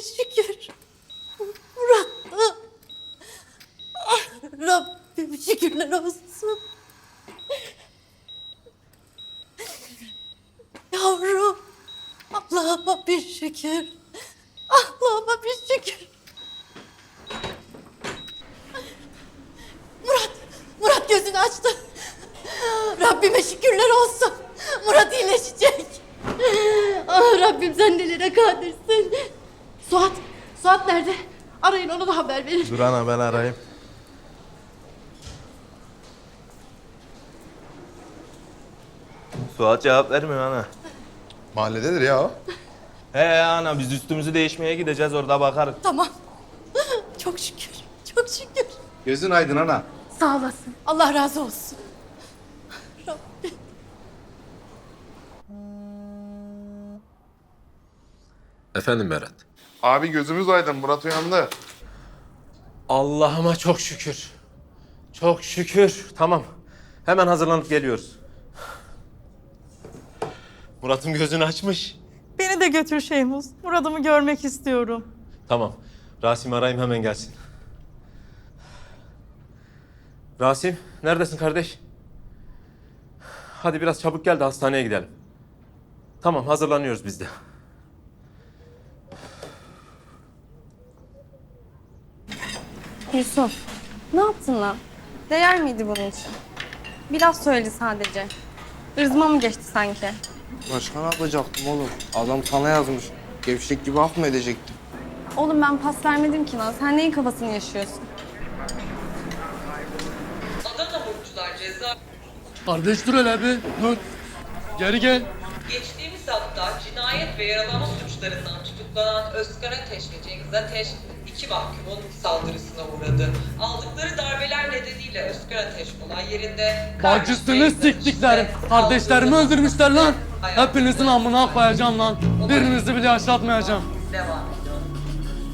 şükür. Murat. Rabbim şükürler olsun. Yavrum. Allah'ıma bir şükür. Allah'ıma bir şükür. Murat gözünü açtı. Rabbime şükürler olsun. Murat iyileşecek. Ah Rabbim sen nelere kadirsin. Suat nerede? Arayın ona da haber verin. Dur ana ben arayayım. Suat cevap vermiyor ana. Mahallededir ya o. He ana biz üstümüzü değişmeye gideceğiz orada bakarız. Tamam. Çok şükür. Çok şükür. Gözün aydın ana. Sağ olasın. Allah razı olsun. Rabbim. Efendim Berat. Abi gözümüz aydın. Murat uyandı. Allah'ıma çok şükür. Çok şükür. Tamam. Hemen hazırlanıp geliyoruz. Murat'ım gözünü açmış. Beni de götür Şeyhmuz. Murad'ımı görmek istiyorum. Tamam. Rasim'i arayayım hemen gelsin. Rasim, neredesin kardeş? Hadi biraz çabuk gel de hastaneye gidelim. Tamam, hazırlanıyoruz biz de. Yusuf, ne yaptın lan? Değer miydi bunun için? Biraz söyle sadece. Irzıma mı geçti sanki? Başka ne yapacaktım oğlum? Adam sana yazmış. Gevşek gibi af mı edecektim? Oğlum ben pas vermedim ki lan. Sen neyin kafasını yaşıyorsun? Adana Mutlular ceza Kardeş dur hele bir. Dur. Geri gel. geçtiğimiz hafta cinayet ve yaralama suçlarından tutuklanan Özkan Ateş ve Cengiz Ateş iki mahkumun saldırısına uğradı. Aldıkları darbeler nedeniyle Özkan Ateş olay yerinde Bacısını siktiklerim. Kardeşlerimi öldürmüşler lan. Hepinizin amına koyacağım lan. Birinizi bile yaşatmayacağım. Devam.